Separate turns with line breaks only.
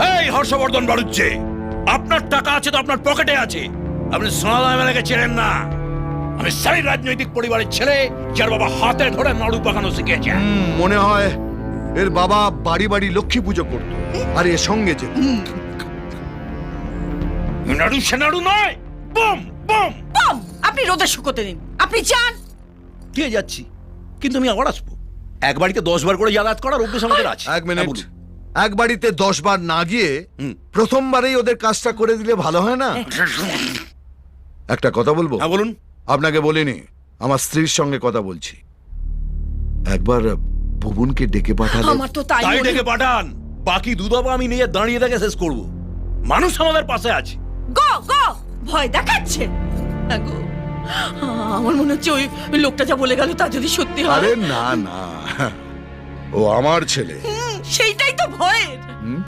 এই হর্ষবর্ধন বাড়ুচ্ছে, আপনার টাকা আছে তো আপনার পকেটে আছে, আপনি সোনাদা এমএলএকে চেনেন না। আমি সেই রাজনৈতিক পরিবারের ছেলে যার বাবা হাতে ধরে নাড়ু পাকানো শিখেছে।
মনে হয় এর বাবা বাড়ি বাড়ি লক্ষ্মী পুজো করতো আর এর সঙ্গে যেত।
নাড়ু সে নাড়ু নয়, বম বম।
বম আপনি রোদে শুকোতে দিন, আপনি যান।
কে যাচ্ছি, কিন্তু আমি আবার আসবো। এক বাড়িতে 10 বার করে যাতায়াত করার অভ্যেস আমাদের আছে।
এক মিনিট,
হ্যাঁ, বলুন।
এক বাড়িতে 10 বার না গিয়ে প্রথমবারেই ওদের কাজটা করে দিলে ভালো হয় না? একটা কথা বলবো?
হ্যাঁ বলুন।
আপনাকে বলিনি, আমার স্ত্রীর সঙ্গে কথা বলছি। একবার ভুবনকে ডেকে পাঠালে।
আমার তো তাই
তাই
মনে-
ডেকে পাঠান, বাকি দুধাবা আমি নিয়ে দাঁড়িয়ে দেখে শেষ করব। মানুষ আমাদের পাশে আছে।
গো গো ভয় দেখাচ্ছে। হ্যাঁ গো, আমার মনে হচ্ছে ওই লোকটা যা বলে গেল তা যদি সত্যি হয়।
আরে না না, ও আমার ছেলে।
সেইটাই তো ভয়ের।